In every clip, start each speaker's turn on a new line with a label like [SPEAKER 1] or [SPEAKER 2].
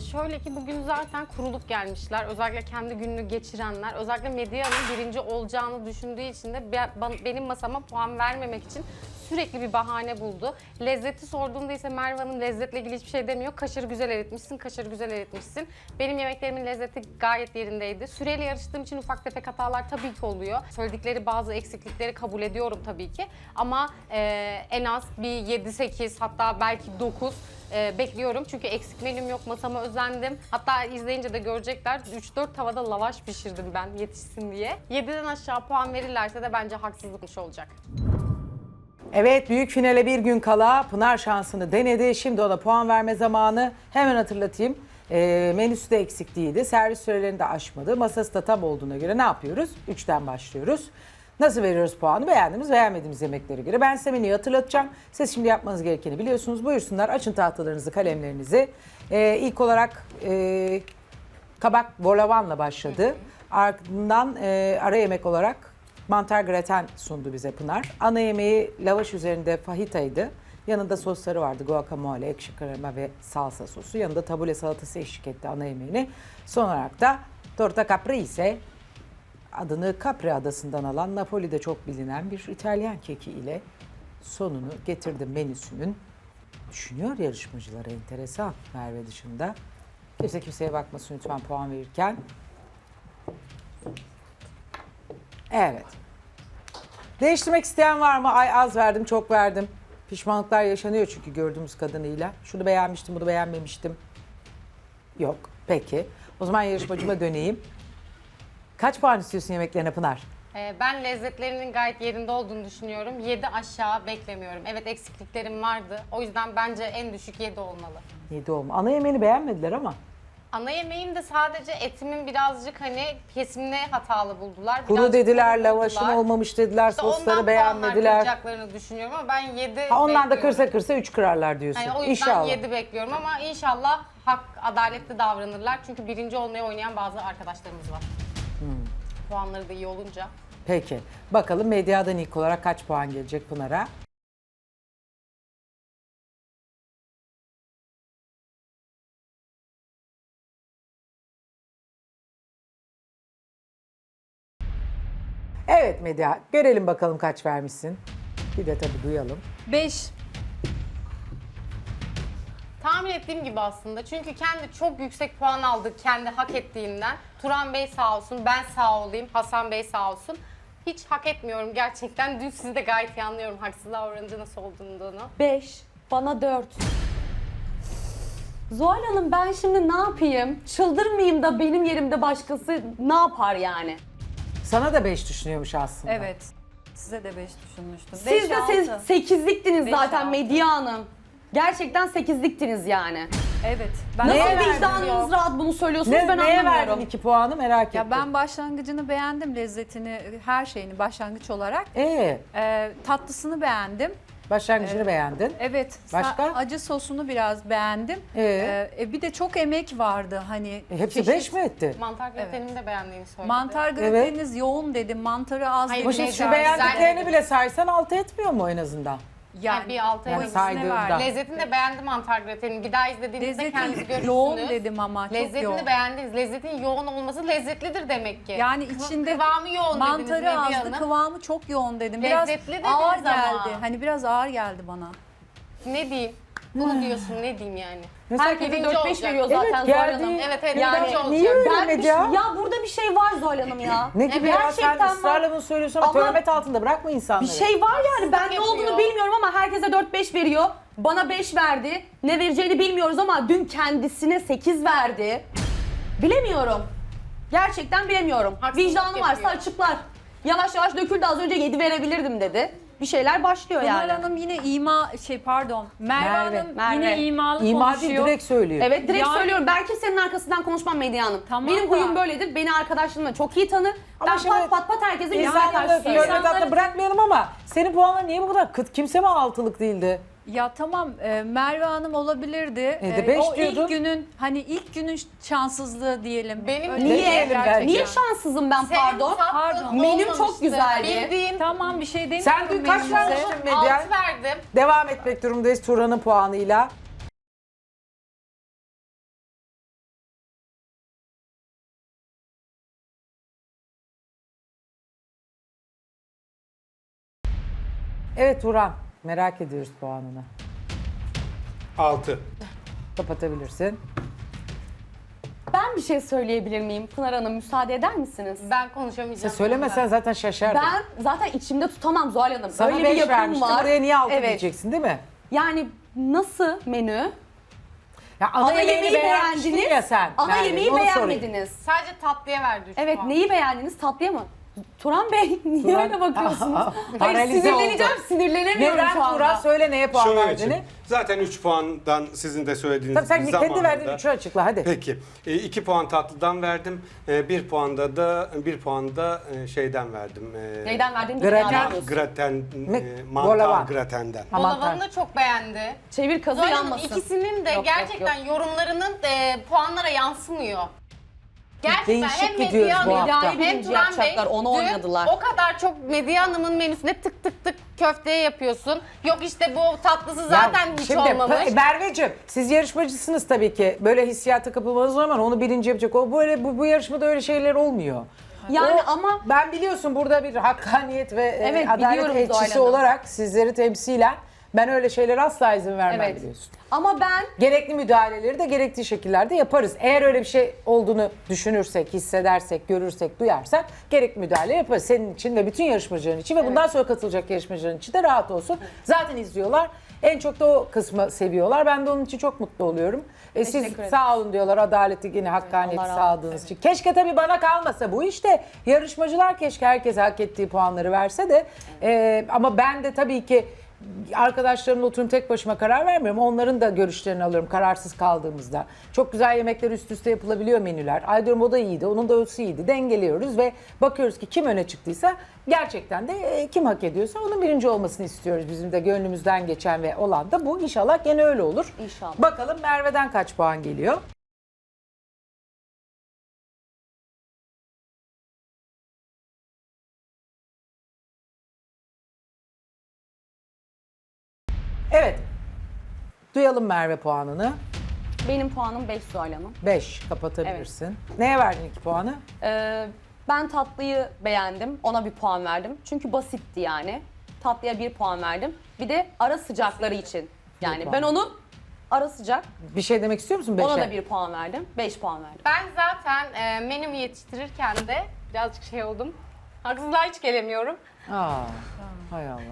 [SPEAKER 1] Şöyle ki bugün zaten kurulup gelmişler. Özellikle kendi gününü geçirenler. Özellikle Medya'nın birinci olacağını düşündüğü için de benim masama puan vermemek için sürekli bir bahane buldu. Lezzeti sorduğumda ise Merve Hanım lezzetle ilgili hiçbir şey demiyor. Kaşarı güzel eritmişsin, kaşarı güzel eritmişsin. Benim yemeklerimin lezzeti gayet yerindeydi. Süreyle yarıştığım için ufak tefek hatalar tabii ki oluyor. Söyledikleri bazı eksiklikleri kabul ediyorum tabii ki. Ama en az bir 7-8 hatta belki 9 bekliyorum. Çünkü eksik menüm yok, masama özendim. Hatta izleyince de görecekler. 3-4 tavada lavaş pişirdim ben yetişsin diye. 7'den aşağı puan verirlerse de bence haksızlıkmış olacak.
[SPEAKER 2] Evet, büyük finale bir gün kala Pınar şansını denedi. Şimdi ona puan verme zamanı. Hemen hatırlatayım. Menüsü de eksik değildi. Servis sürelerini de aşmadı. Masası da tam olduğuna göre ne yapıyoruz? 3'ten başlıyoruz. Nasıl veriyoruz puanı? Beğendiğimiz, beğenmediğimiz yemeklere göre. Ben size menüyü hatırlatacağım. Siz şimdi yapmanız gerekeni biliyorsunuz. Buyursunlar, açın tahtalarınızı, kalemlerinizi. İlk olarak kabak volavanla başladı. Ardından ara yemek olarak mantar graten sundu bize Pınar. Ana yemeği lavaş üzerinde fajitaydı. Yanında sosları vardı. Guacamole, ekşi krema ve salsa sosu. Yanında tabule salatası eşlik etti ana yemeğini. Son olarak da torta caprese, adını Capri adasından alan Napoli'de çok bilinen bir İtalyan keki ile sonunu getirdi menüsünün. Düşünüyor yarışmacılar, enteresan Merve dışında. Kimse kimseye bakmasın lütfen puan verirken. Evet. Değiştirmek isteyen var mı? Ay az verdim, çok verdim. Pişmanlıklar yaşanıyor çünkü gördüğümüz kadınıyla. Şunu beğenmiştim, bunu beğenmemiştim. Yok. Peki. O zaman yarışmacıma döneyim. Kaç puan istiyorsun yemeklerine Pınar?
[SPEAKER 1] Ben lezzetlerinin gayet yerinde olduğunu düşünüyorum. 7 aşağı beklemiyorum. Evet eksikliklerim vardı. O yüzden bence en düşük 7 olmalı.
[SPEAKER 2] 7 olma. Ana yemeğini beğenmediler ama.
[SPEAKER 1] Ana yemeğim de sadece etimin birazcık hani kesimine hatalı buldular.
[SPEAKER 2] Kuru
[SPEAKER 1] Birazcık
[SPEAKER 2] dediler,
[SPEAKER 1] kuru
[SPEAKER 2] lavaşın
[SPEAKER 1] buldular.
[SPEAKER 2] olmamış dediler,
[SPEAKER 1] İşte
[SPEAKER 2] sosları
[SPEAKER 1] ondan
[SPEAKER 2] beğenmediler.
[SPEAKER 1] puanlar kıracaklarını düşünüyorum ama ben 7
[SPEAKER 2] Ha, ondan da
[SPEAKER 1] bekliyorum.
[SPEAKER 2] kırsa 3 kırarlar diyorsun.
[SPEAKER 1] Yani o yüzden
[SPEAKER 2] İnşallah.
[SPEAKER 1] 7 bekliyorum ama inşallah hak, adaletli davranırlar. Çünkü birinci olmaya oynayan bazı arkadaşlarımız var. Puanları da iyi olunca.
[SPEAKER 2] Peki. Bakalım medyadan ilk olarak kaç puan gelecek Pınar'a? Evet Medya, görelim bakalım kaç vermişsin. Bir de tabii duyalım.
[SPEAKER 3] 5.
[SPEAKER 1] Tahmin ettiğim gibi aslında. Çünkü kendi çok yüksek puan aldı kendi hak ettiğinden. Turan Bey sağ olsun, ben sağ olayım, Hasan Bey sağ olsun. Hiç hak etmiyorum gerçekten. Dün sizi de gayet iyi anlıyorum haksızlığa oranınca nasıl olduğunu.
[SPEAKER 3] 5. Bana 4. Zuhal Hanım ben şimdi ne yapayım? Çıldırmayayım da benim yerimde başkası ne yapar yani?
[SPEAKER 2] Sana da 5 düşünüyormuş aslında.
[SPEAKER 4] Evet. Size de 5 düşünmüştüm.
[SPEAKER 3] Siz de 8'liktiniz
[SPEAKER 4] Beş,
[SPEAKER 3] zaten
[SPEAKER 4] altı.
[SPEAKER 3] Medya Hanım. Gerçekten 8'liktiniz yani.
[SPEAKER 4] Evet. Ben
[SPEAKER 3] Nasıl
[SPEAKER 2] Neye verdin
[SPEAKER 3] vicdanınız rahat bunu söylüyorsunuz ben
[SPEAKER 2] Neye verdin
[SPEAKER 3] anlamıyorum.
[SPEAKER 2] 2 puanı merak ettim.
[SPEAKER 4] ya ben başlangıcını beğendim, lezzetini, her şeyini başlangıç olarak. Tatlısını beğendim.
[SPEAKER 2] Başlangıcını beğendin.
[SPEAKER 4] Evet.
[SPEAKER 2] Başka?
[SPEAKER 4] Acı sosunu biraz beğendim. Bir de çok emek vardı hani.
[SPEAKER 2] Hepsi
[SPEAKER 4] çeşit-
[SPEAKER 2] 5 mi etti?
[SPEAKER 1] Mantar gratenimi de beğendiğini söyledi.
[SPEAKER 4] Mantar grateniniz yoğun dedim, mantarı az
[SPEAKER 1] Hayır,
[SPEAKER 4] dedim.
[SPEAKER 2] Ama şimdi şu
[SPEAKER 1] Güzel,
[SPEAKER 2] beğendiklerini
[SPEAKER 1] güzel.
[SPEAKER 2] bile saysan 6 etmiyor mu en azından?
[SPEAKER 1] Yani bir altı
[SPEAKER 2] Yani
[SPEAKER 1] yani
[SPEAKER 2] saydığında.
[SPEAKER 1] Lezzetini de beğendim mantar gratenini. Bir daha izlediğinizde kendiniz
[SPEAKER 4] Lezzeti
[SPEAKER 1] görürsünüz.
[SPEAKER 4] yoğun dedim ama çok
[SPEAKER 1] Lezzetini
[SPEAKER 4] yoğun.
[SPEAKER 1] beğendiniz. Lezzetin yoğun olması lezzetlidir demek ki.
[SPEAKER 4] Yani içinde
[SPEAKER 1] kıvamı yoğun dediniz
[SPEAKER 4] mantarı
[SPEAKER 1] Medya
[SPEAKER 4] azdı,
[SPEAKER 1] Hanım.
[SPEAKER 4] kıvamı çok yoğun dedim. Biraz
[SPEAKER 1] Lezzetli dediniz
[SPEAKER 4] ağır
[SPEAKER 1] ama.
[SPEAKER 4] geldi. Hani biraz ağır geldi bana.
[SPEAKER 1] Ne diyeyim? Bunu diyorsun ne diyeyim yani?
[SPEAKER 3] Herkese
[SPEAKER 1] birinci
[SPEAKER 3] 4-5
[SPEAKER 1] olacak.
[SPEAKER 3] veriyor zaten
[SPEAKER 2] Evet,
[SPEAKER 3] Zuhal
[SPEAKER 2] geldi.
[SPEAKER 3] Hanım.
[SPEAKER 1] Evet evet
[SPEAKER 3] Yani
[SPEAKER 1] birinci olacak.
[SPEAKER 2] niye öyle
[SPEAKER 3] Ben
[SPEAKER 2] Medya?
[SPEAKER 3] ya burada bir şey var Zuhal Hanım ya.
[SPEAKER 2] Ne gibi
[SPEAKER 1] Evet,
[SPEAKER 2] ya? Sen
[SPEAKER 3] gerçekten
[SPEAKER 2] ısrarla bunu söylüyorsun ama
[SPEAKER 3] Ama-
[SPEAKER 2] töhmet altında bırakma insanları.
[SPEAKER 3] Bir şey var yani ben ne
[SPEAKER 1] yapıyor.
[SPEAKER 3] olduğunu bilmiyorum ama herkese 4-5 veriyor. Bana 5 verdi. Ne vereceğini bilmiyoruz ama dün kendisine 8 verdi. Bilemiyorum. Gerçekten bilemiyorum.
[SPEAKER 1] Haksızlık
[SPEAKER 3] Vicdanı varsa
[SPEAKER 1] yapıyor.
[SPEAKER 3] açıklar. Yavaş yavaş döküldü az önce 7 verebilirdim dedi. Bir şeyler başlıyor
[SPEAKER 4] Pınar
[SPEAKER 3] yani.
[SPEAKER 4] Hanım yine Merve Hanım
[SPEAKER 3] Merve.
[SPEAKER 4] yine imalı
[SPEAKER 2] İma değil,
[SPEAKER 4] konuşuyor.
[SPEAKER 2] direkt söylüyor.
[SPEAKER 3] Evet direkt
[SPEAKER 4] Yani-
[SPEAKER 3] söylüyorum. Ben kimsenin arkasından konuşmam Medya Hanım.
[SPEAKER 4] Tamam
[SPEAKER 3] Benim
[SPEAKER 4] da-
[SPEAKER 3] huyum böyledir. Beni arkadaşlarımla çok iyi tanır.
[SPEAKER 2] Ama
[SPEAKER 3] Ben
[SPEAKER 2] şimdi
[SPEAKER 3] pat pat herkese yüzüne
[SPEAKER 2] İnsanları
[SPEAKER 3] karşı
[SPEAKER 2] töhmet
[SPEAKER 3] söylüyorum.
[SPEAKER 2] altında bırakmayalım ama senin puanların niye bu kadar kıt? Kimse mi 6'lık değildi?
[SPEAKER 4] Ya tamam Merve Hanım olabilirdi.
[SPEAKER 2] de beş
[SPEAKER 4] o
[SPEAKER 2] diyordun.
[SPEAKER 4] ilk günün şanssızlığı diyelim.
[SPEAKER 1] Benim
[SPEAKER 4] Öyle
[SPEAKER 3] Niye?
[SPEAKER 2] Diyelim
[SPEAKER 4] gerçekten.
[SPEAKER 3] Niye şanssızım ben
[SPEAKER 1] Senin
[SPEAKER 3] pardon?
[SPEAKER 1] tatlın
[SPEAKER 4] Pardon.
[SPEAKER 3] Menüm çok
[SPEAKER 1] olmamıştı.
[SPEAKER 3] güzeldi.
[SPEAKER 1] Bildiğin
[SPEAKER 4] Tamam bir şey demiyorum.
[SPEAKER 2] Sen dün kaç
[SPEAKER 4] menünüze.
[SPEAKER 2] vermiştin Medya?
[SPEAKER 1] 6 verdim.
[SPEAKER 2] Devam etmek durumundayız Turan'ın puanıyla. Evet Turan, merak ediyoruz puanını.
[SPEAKER 5] 6.
[SPEAKER 2] Kapatabilirsin.
[SPEAKER 3] Ben bir şey söyleyebilir miyim? Pınar Hanım müsaade eder misiniz?
[SPEAKER 1] Ben konuşamayacağım.
[SPEAKER 2] Sen söylemesen zaten şaşardım.
[SPEAKER 3] Ben zaten içimde tutamam Zuhal Hanım.
[SPEAKER 2] Sana
[SPEAKER 3] Öyle
[SPEAKER 2] 5
[SPEAKER 3] bir yapım
[SPEAKER 2] vermiştim,
[SPEAKER 3] var.
[SPEAKER 2] buraya niye 6
[SPEAKER 3] Evet.
[SPEAKER 2] diyeceksin değil mi?
[SPEAKER 3] Yani nasıl menü?
[SPEAKER 2] Ya
[SPEAKER 3] Ana yemeği
[SPEAKER 2] beğenmiştin
[SPEAKER 3] beğendiniz.
[SPEAKER 2] ya sen.
[SPEAKER 3] Ana
[SPEAKER 2] Merve,
[SPEAKER 3] yemeği
[SPEAKER 2] onu sorayım.
[SPEAKER 3] beğenmediniz.
[SPEAKER 1] Sadece tatlıya verdi 3
[SPEAKER 3] Evet
[SPEAKER 1] puan.
[SPEAKER 3] neyi beğendiniz? Tatlıya mı? Turan Bey niye
[SPEAKER 2] Turan-
[SPEAKER 3] öyle bakıyorsunuz? Hayır
[SPEAKER 2] Paralize
[SPEAKER 3] sinirleneceğim,
[SPEAKER 2] oldu.
[SPEAKER 3] sinirlenemiyorum
[SPEAKER 2] Neden
[SPEAKER 3] şu anda.
[SPEAKER 2] Turan söyle neye puan
[SPEAKER 5] Şöyle
[SPEAKER 2] verdiğini?
[SPEAKER 5] için. Zaten 3 puandan sizin de söylediğiniz
[SPEAKER 2] Tabii sen kendi
[SPEAKER 5] zamanında-
[SPEAKER 2] verdiğin 3'ü açıkla hadi.
[SPEAKER 5] Peki. 2 puan tatlıdan verdim. 1 puan da şeyden verdim.
[SPEAKER 3] Neyden verdiğini
[SPEAKER 2] Graten.
[SPEAKER 3] bilmiyorum.
[SPEAKER 5] Graten,
[SPEAKER 2] Bolavan.
[SPEAKER 5] mantar gratenden.
[SPEAKER 2] Aman
[SPEAKER 1] Bolavan'ı da çok beğendi.
[SPEAKER 3] Çevir kazı
[SPEAKER 1] Zuhal Hanım
[SPEAKER 3] yanmasın.
[SPEAKER 1] ikisinin de
[SPEAKER 3] Yok,
[SPEAKER 1] gerçekten
[SPEAKER 3] yok,
[SPEAKER 1] yorumlarının puanlara yansımıyor. Gerçekten
[SPEAKER 2] Değişik
[SPEAKER 1] hem
[SPEAKER 2] gidiyoruz
[SPEAKER 1] Medya
[SPEAKER 2] bu
[SPEAKER 1] Hanım
[SPEAKER 2] hafta.
[SPEAKER 1] hem
[SPEAKER 3] Birinci
[SPEAKER 1] Turan Bey
[SPEAKER 3] yapacaklar, onu
[SPEAKER 1] dün
[SPEAKER 3] oynadılar.
[SPEAKER 1] o kadar çok Medya Hanım'ın menüsüne tık tık tık köfteye yapıyorsun. Yok işte bu tatlısı zaten
[SPEAKER 2] Ya
[SPEAKER 1] hiç
[SPEAKER 2] şimdi,
[SPEAKER 1] olmamış.
[SPEAKER 2] Merveciğim siz yarışmacısınız tabii ki. Böyle hissiyata kapılmanız normal. Onu birinci yapacak. O böyle bu yarışmada öyle şeyler olmuyor.
[SPEAKER 3] Yani
[SPEAKER 2] O-
[SPEAKER 3] ama
[SPEAKER 2] ben biliyorsun burada bir hakkaniyet ve
[SPEAKER 3] Evet,
[SPEAKER 2] adalet
[SPEAKER 3] biliyorum Zuhal
[SPEAKER 2] elçisi
[SPEAKER 3] Hanım.
[SPEAKER 2] olarak sizleri temsilen ben öyle şeylere asla izin vermem
[SPEAKER 3] evet.
[SPEAKER 2] biliyorsun.
[SPEAKER 3] Ama ben
[SPEAKER 2] Gerekli müdahaleleri de gerektiği şekillerde yaparız. Eğer öyle bir şey olduğunu düşünürsek, hissedersek, görürsek, duyarsak gerekli müdahale yaparız. Senin için ve bütün yarışmacıların için ve bundan sonra katılacak yarışmacıların için de rahat olsun. Zaten izliyorlar. En çok da o kısmı seviyorlar. Ben de onun için çok mutlu oluyorum. Siz
[SPEAKER 3] Teşekkür ederim.
[SPEAKER 2] sağ olun diyorlar adaleti yine hakkaniyeti
[SPEAKER 3] Allah razı
[SPEAKER 2] sağladığınız için. Keşke tabii bana kalmasa bu işte. Yarışmacılar keşke herkes hak ettiği puanları verse de. Ama ben de tabii ki arkadaşlarımla oturup tek başıma karar vermiyorum. Onların da görüşlerini alıyorum kararsız kaldığımızda. Çok güzel yemekler üst üste yapılabiliyor menüler. Ay diyorum o da iyiydi, onun da ötesi iyiydi. Dengeliyoruz ve bakıyoruz ki kim öne çıktıysa gerçekten de kim hak ediyorsa onun birinci olmasını istiyoruz. Bizim de gönlümüzden geçen ve olan da bu. İnşallah gene öyle olur.
[SPEAKER 3] İnşallah.
[SPEAKER 2] Bakalım Merve'den kaç puan geliyor? Evet. Duyalım Merve puanını.
[SPEAKER 3] benim puanım 5 Zuhal Hanım.
[SPEAKER 2] 5 kapatabilirsin. Neye verdin 2 puanı?
[SPEAKER 3] Ben tatlıyı beğendim. Ona bir puan verdim. Çünkü basitti yani. Tatlıya 1 puan verdim. Bir de ara sıcakları için. Yani
[SPEAKER 2] puan.
[SPEAKER 3] ben onu ara sıcak.
[SPEAKER 2] Bir şey demek istiyor musun 5'e?
[SPEAKER 3] Ona da 1 puan verdim. 5 puan verdim.
[SPEAKER 1] Ben zaten menümü yetiştirirken de birazcık şey oldum. Haksızlığa hiç gelemiyorum.
[SPEAKER 2] Aa, hay Allah.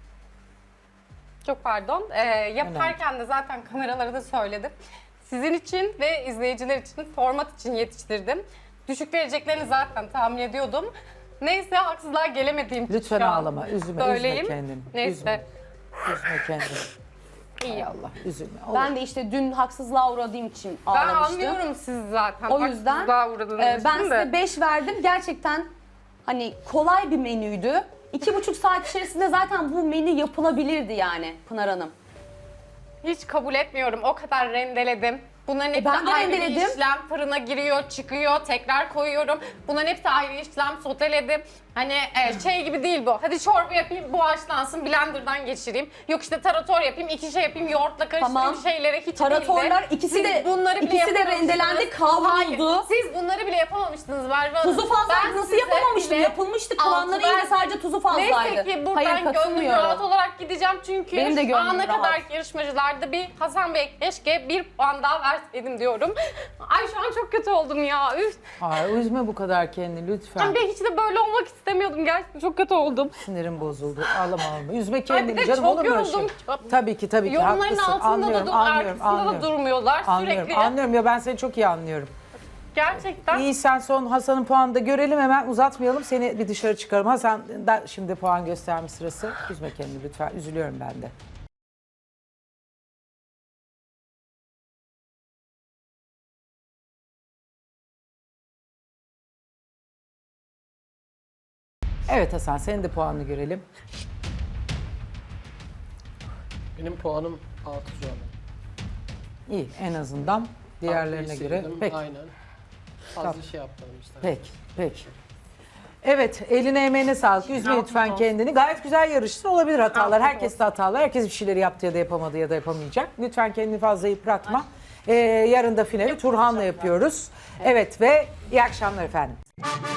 [SPEAKER 1] Çok pardon. Yaparken de zaten kameralara da söyledim. Sizin için ve izleyiciler için, format için yetiştirdim. Düşük vereceklerini zaten tahmin ediyordum. Neyse haksızlığa gelemediğim için
[SPEAKER 2] Lütfen
[SPEAKER 1] şu an
[SPEAKER 2] ağlama, üzme
[SPEAKER 1] böyleyim.
[SPEAKER 2] kendini.
[SPEAKER 1] Neyse.
[SPEAKER 2] Üzme kendini. Hay
[SPEAKER 1] İyi.
[SPEAKER 2] Allah, üzülme. Olur.
[SPEAKER 3] Ben de işte dün haksızlığa uğradığım için
[SPEAKER 1] Ben
[SPEAKER 3] ağlamıştım.
[SPEAKER 1] anlıyorum sizi zaten.
[SPEAKER 3] O yüzden
[SPEAKER 1] Haksızlığa uğradığınız
[SPEAKER 3] ben
[SPEAKER 1] için
[SPEAKER 3] size
[SPEAKER 1] de.
[SPEAKER 3] 5 verdim. Gerçekten hani kolay bir menüydü. 2,5 saat içerisinde zaten bu menü yapılabilirdi yani Pınar Hanım.
[SPEAKER 1] Hiç kabul etmiyorum. O kadar rendeledim. Bunların hepsi
[SPEAKER 3] ben de
[SPEAKER 1] ayrı bir
[SPEAKER 3] rendeledim.
[SPEAKER 1] işlem. Fırına giriyor, çıkıyor, tekrar koyuyorum. Bunların hepsi ayrı işlem. Soteledim. Hani şey gibi değil bu. Hadi çorba yapayım, bu haşlansın, blenderdan geçireyim. Yok işte tarator yapayım, 2 şey yapayım, yoğurtla karıştırayım
[SPEAKER 3] Tamam.
[SPEAKER 1] şeylere hiç
[SPEAKER 3] Taratorlar
[SPEAKER 1] değildi.
[SPEAKER 3] ikisi
[SPEAKER 1] Siz
[SPEAKER 3] de
[SPEAKER 1] bunları bile
[SPEAKER 3] ikisi de
[SPEAKER 1] yapamamıştınız.
[SPEAKER 3] rendelendi, kavruldu.
[SPEAKER 1] Hayır, siz bunları bile yapamamıştınız Merve Hanım.
[SPEAKER 3] Tuzu fazla
[SPEAKER 1] Ben
[SPEAKER 3] nasıl
[SPEAKER 1] size
[SPEAKER 3] yapamamıştım?
[SPEAKER 1] bile
[SPEAKER 3] Yapılmıştı. Kıvamları
[SPEAKER 1] altı
[SPEAKER 3] iyiydi, sadece tuzu fazlaydı.
[SPEAKER 1] Neyse ki buradan
[SPEAKER 3] Hayır,
[SPEAKER 1] gönlüm
[SPEAKER 3] katılmıyorum.
[SPEAKER 1] rahat olarak gideceğim çünkü
[SPEAKER 3] Benim de
[SPEAKER 1] şu
[SPEAKER 3] gönlüm
[SPEAKER 1] ana
[SPEAKER 3] rahat.
[SPEAKER 1] kadar yarışmacılarda bir Hasan Bey keşke 1 puan daha verseydim diyorum. Ay şu an çok kötü oldum ya. Üf.
[SPEAKER 2] Ay, üzme bu kadar kendini lütfen.
[SPEAKER 1] Ben hiç de böyle olmak istemiyordum. Gerçekten çok kötü oldum.
[SPEAKER 2] Sinirim bozuldu. Ağlama ağlama. Üzme
[SPEAKER 1] Ay bir
[SPEAKER 2] kendini
[SPEAKER 1] de
[SPEAKER 2] canım,
[SPEAKER 1] çok
[SPEAKER 2] olur mu öyle şey?
[SPEAKER 1] yoruldum.
[SPEAKER 2] Tabii ki
[SPEAKER 1] Yorumların
[SPEAKER 2] haklısın.
[SPEAKER 1] altında
[SPEAKER 2] Anlıyorum,
[SPEAKER 1] da
[SPEAKER 2] anlıyorum,
[SPEAKER 1] arkasında da durmuyorlar
[SPEAKER 2] Anlıyorum,
[SPEAKER 1] sürekli.
[SPEAKER 2] anlıyorum ya, ben seni çok iyi anlıyorum.
[SPEAKER 1] Gerçekten.
[SPEAKER 2] İyi, sen son Hasan'ın puanını da görelim, hemen uzatmayalım, seni bir dışarı çıkaralım. Hasan da şimdi puan gösterme sırası. Üzme kendini lütfen, üzülüyorum ben de. Evet Hasan, senin de puanını görelim.
[SPEAKER 6] Benim puanım 6 şu an.
[SPEAKER 2] İyi, en azından diğerlerine
[SPEAKER 6] Tatlıyı
[SPEAKER 2] göre.
[SPEAKER 6] sevdim,
[SPEAKER 2] Peki,
[SPEAKER 6] Aynen. Fazla şey yapmadım işte.
[SPEAKER 2] peki, peki. Evet, eline emeğine sağlık. Üzme lütfen kendini. Gayet güzel yarıştın. Olabilir hatalar. Herkes de hatalar. Herkes bir şeyleri yaptı ya da yapamadı ya da yapamayacak. Lütfen kendini fazla yıpratma. Yarın da finali Turhan'la yapıyoruz. Evet ve iyi akşamlar efendim.